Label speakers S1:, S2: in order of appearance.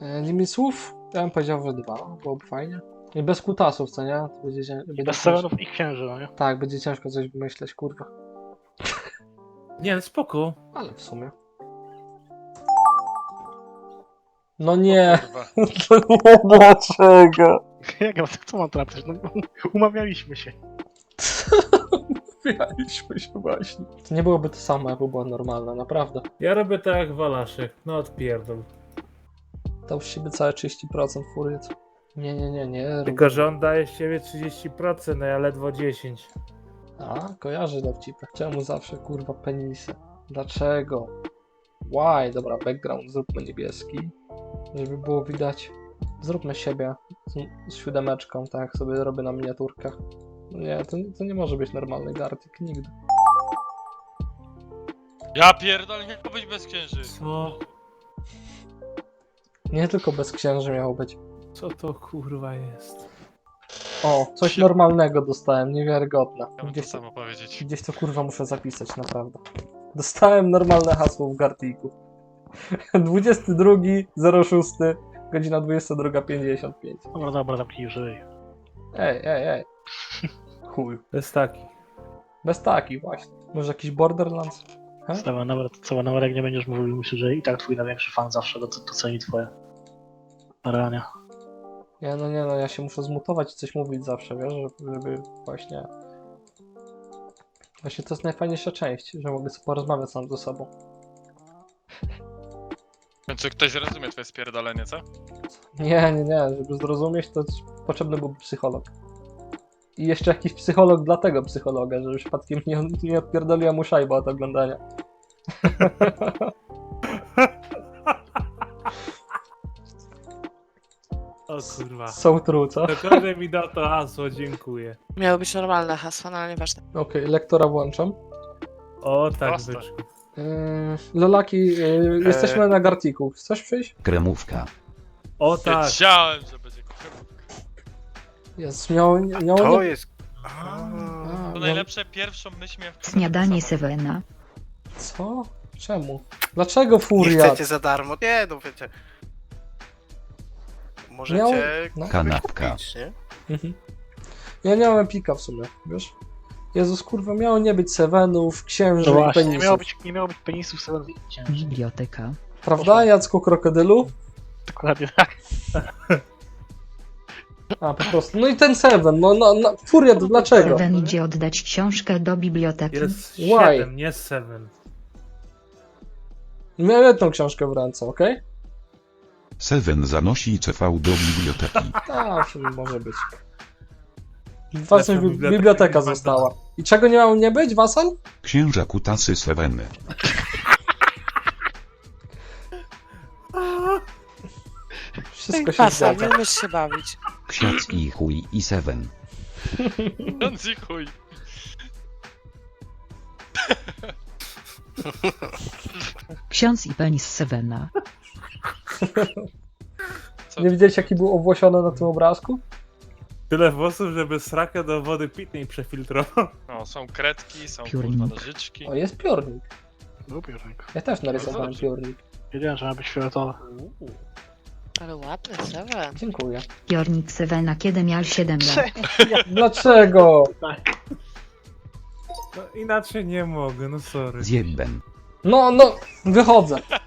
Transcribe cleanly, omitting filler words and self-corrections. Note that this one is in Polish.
S1: Limit słów? Ja bym powiedział, że 2, byłoby fajnie. I bez kutasów, co nie? To będzie
S2: Bez Sevenów i księży, no nie?
S1: Tak, będzie ciężko coś wymyśleć, kurwa.
S3: Nie, no spoko.
S1: Ale w sumie. No nie.
S4: Kurwa.
S1: Dlaczego?
S2: Jak ja co mam trafić? No, umawialiśmy się.
S1: Umawialiśmy się właśnie. To nie byłoby to samo, jakby była normalna, naprawdę.
S3: Ja robię tak jak Walaszek. No odpierdol.
S1: To już siebie całe 30% furiat. Nie.
S3: Tylko, że on daje z siebie 30%, no ja ledwo 10%.
S1: A, kojarzę dowcipy. Czemu zawsze, kurwa, penisy? Dlaczego? Why? Dobra, background zróbmy niebieski, żeby było widać. Zróbmy siebie z siódemeczką, tak jak sobie robię na miniaturkach. Nie, to nie może być normalny Gartic, nigdy.
S4: Ja pierdolę, nie być bez księży.
S3: Co?
S1: Nie tylko bez księży miało być.
S3: Co to kurwa jest?
S1: O, coś normalnego dostałem, niewiarygodne.
S4: Chciałbym to samo powiedzieć.
S1: Gdzieś to kurwa muszę zapisać, naprawdę. Dostałem normalne hasło w Gartiku. 22.06, godzina 22.55.
S2: Dobra, zamknij już.
S1: Ej. Chuj.
S3: To jest taki.
S1: Bez taki właśnie. Może jakiś Borderlands?
S2: Cała nawet jak nie będziesz mówił, myślę, że i tak twój największy fan zawsze doceni twoje starania.
S1: Nie no, ja się muszę zmutować i coś mówić zawsze, wiesz, żeby właśnie... Właśnie to jest najfajniejsza część, że mogę sobie porozmawiać sam ze sobą.
S4: W końcu ktoś rozumie twoje spierdolenie, co?
S1: Nie, żeby zrozumieć, to potrzebny byłby psycholog. I jeszcze jakiś psycholog dla tego psychologa, żeby przypadkiem nie odpierdoliła mu szajba od oglądania.
S3: O kurwa.
S1: So true, co?
S3: Dokładnie mi da to hasło, dziękuję.
S5: Miało być normalne hasło, no ale nieważne.
S1: Okej, lektora włączam.
S3: O tak
S4: Proste.
S3: byczku.
S1: Lolaki, jesteśmy na Gartiku. Chcesz przyjść?
S6: Kremówka.
S3: O tak.
S4: Wiedziałem, że będzie kurwa.
S1: Jest, miało
S7: To
S1: nie...
S7: jest...
S4: To najlepsze pierwszą myśl miałem w
S8: Śniadanie Sevena.
S1: Co? Czemu? Dlaczego
S7: Nie
S1: Furiat?
S7: chcecie za darmo? Nie, no wiecie. Możecie
S1: No.
S6: Kanapka.
S7: kupić, nie?
S1: Mhm. Ja nie mam epika w sumie, wiesz? Jezus, kurwa, miało nie być Sevenów, księży
S2: No
S1: i
S2: właśnie,
S1: penisów.
S2: nie miało być penisów Sevenów i księży.
S8: Biblioteka.
S1: Prawda, Jacku Krokodylu?
S2: Dokładnie tak.
S1: A, po prostu. No i ten Seven, no Furiat, dlaczego?
S8: Seven idzie oddać książkę do biblioteki.
S3: Jest
S1: Why?
S3: 7, nie 7.
S1: Miałem jedną książkę w ręce, okej?
S6: Seven zanosi CV do biblioteki.
S1: Tak, sobie może być. Wasal
S3: biblioteka
S1: biblioteka
S3: nie ma
S1: została. I czego nie miało nie być, Wasal?
S6: Księża kutasy Seveny.
S1: Wszystko się
S5: Pasa,
S1: zgadza.
S5: nie umiesz się bawić.
S6: Ksiądz i chuj i Seven.
S4: Ksiądz i chuj.
S8: Ksiądz i penis Sevena.
S4: Co
S1: Nie
S4: ty?
S1: widziałeś, jaki był owłosiony na tym obrazku?
S3: Tyle włosów, żeby srakę do wody pitnej przefiltrował.
S4: No, są kredki, są
S8: Piórnik.
S4: kurwa nożyczki.
S1: O, jest piórnik.
S2: Lubię rękę.
S1: Ja też narysowałem
S4: dobrze.
S1: piórnik.
S2: Wiedziałem, że ma być fioletowe.
S5: Ale ładny, Seven.
S1: Dziękuję.
S8: Piornik Sevena, kiedy miał 7 lat.
S1: Dlaczego?
S3: No inaczej nie mogę, no sorry.
S6: Zjebben.
S1: No, wychodzę.